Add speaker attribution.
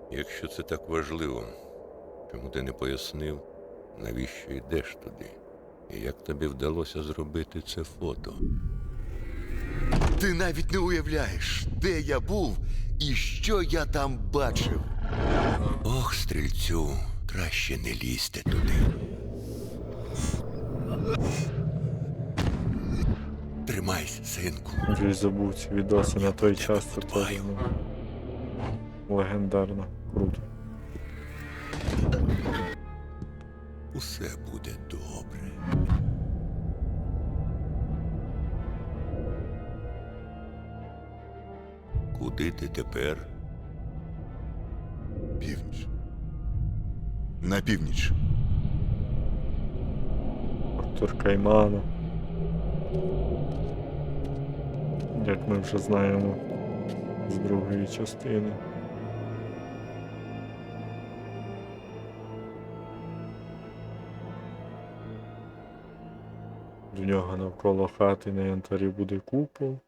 Speaker 1: Якщо це так важливо, чому ти не пояснив, навіщо йдеш туди? І як тобі вдалося зробити це фото?
Speaker 2: Ти навіть не уявляєш, де я був і що я там бачив.
Speaker 1: Ох, стрільцю, краще не лізьте туди. Тримайся, синку.
Speaker 3: Вже й забув ці відоси на той час, це
Speaker 1: подбаю.
Speaker 3: теж легендарно. Круто.
Speaker 1: Усе буде добре. Куди ти тепер?
Speaker 2: Північ. На північ.
Speaker 3: Артур Каймана. Як ми вже знаємо з другої частини. В нього навколо хати на янтарі буде купол.